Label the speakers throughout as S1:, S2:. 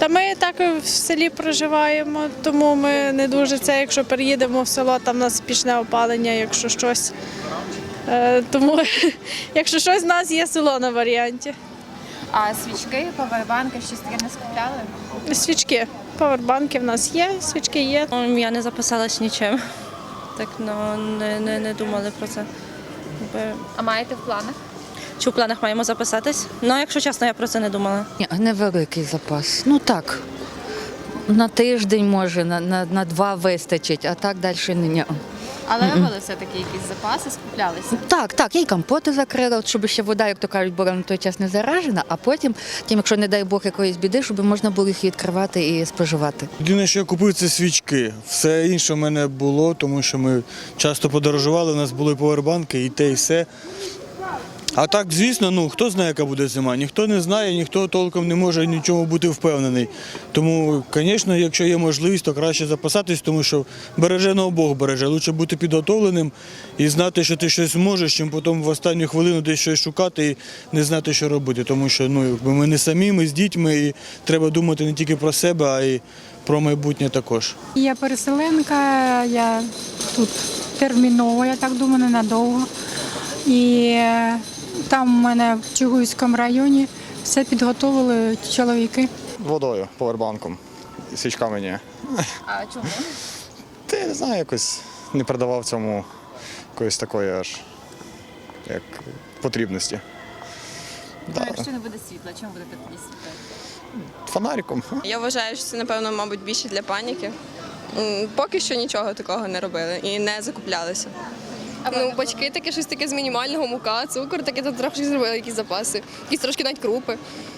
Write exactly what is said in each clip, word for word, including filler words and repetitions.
S1: Та ми так в селі проживаємо, тому ми не дуже це, якщо переїдемо в село, там у нас пічне опалення, якщо щось. Е, Тому, якщо щось, у нас є село на варіанті.
S2: А свічки, павербанки, щось таке не скупляли?
S1: Свічки, павербанки в нас є, свічки є.
S3: Ну, я не записалась нічим. Так, ну, не, не, не думали про це. Якби,
S2: А маєте в планах?
S3: Чи в планах маємо записатись? Ну, якщо чесно, я про це не думала.
S4: Ні, невеликий запас. Ну так, на тиждень може, на, на, на два вистачить, а так далі ні.
S2: Але робили все-таки якісь запаси, скуплялися?
S4: Так, так, я й компоти закрила, от щоб ще вода, як то кажуть, була на той час не заражена, а потім, тим, якщо, не дай Бог, якоїсь біди, щоб можна було їх відкривати і споживати.
S5: Єдине, що я купив, це свічки. Все інше в мене було, тому що ми часто подорожували, у нас були повербанки і те, і все. А так, звісно, ну хто знає, яка буде зима, ніхто не знає, ніхто толком не може нічого бути впевнений. Тому, звісно, якщо є можливість, то краще запасатись, тому що береже на Бог береже. Лучше бути підготовленим і знати, що ти щось можеш, чим потім в останню хвилину десь щось шукати і не знати, що робити. Тому що ну, якби ми не самі, ми з дітьми, і треба думати не тільки про себе, а й про майбутнє також.
S6: Я переселенка, я тут терміново, я так думаю, ненадовго. І там в мене в Чугуйському районі все підготовили чоловіки.
S7: Водою, повербанком, свічками ні.
S2: А чому?
S7: Та я не знаю, якось не придавав цьому якоїсь такої аж як потрібності.
S2: Ну,
S7: Да.
S2: якщо не буде світла, чому будете тоді світити?
S7: Фонариком.
S8: Я вважаю, що це, напевно, мабуть, більше для паніки. М, Поки що нічого такого не робили і не закуплялися.
S9: Ну, батьки таке щось таке з мінімального, мука, цукор, таке тут трохи зробили якісь запаси, якісь трошки навіть крупи.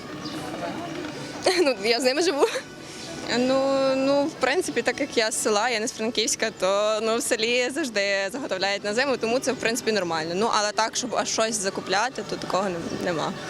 S9: Ну, я з ними живу.
S8: Ну, ну, в принципі, так як я з села, я не з Франківська, то ну, в селі завжди заготовляють на зиму, тому це, в принципі, нормально. Ну, але так, щоб аж щось закупляти, то такого не- нема.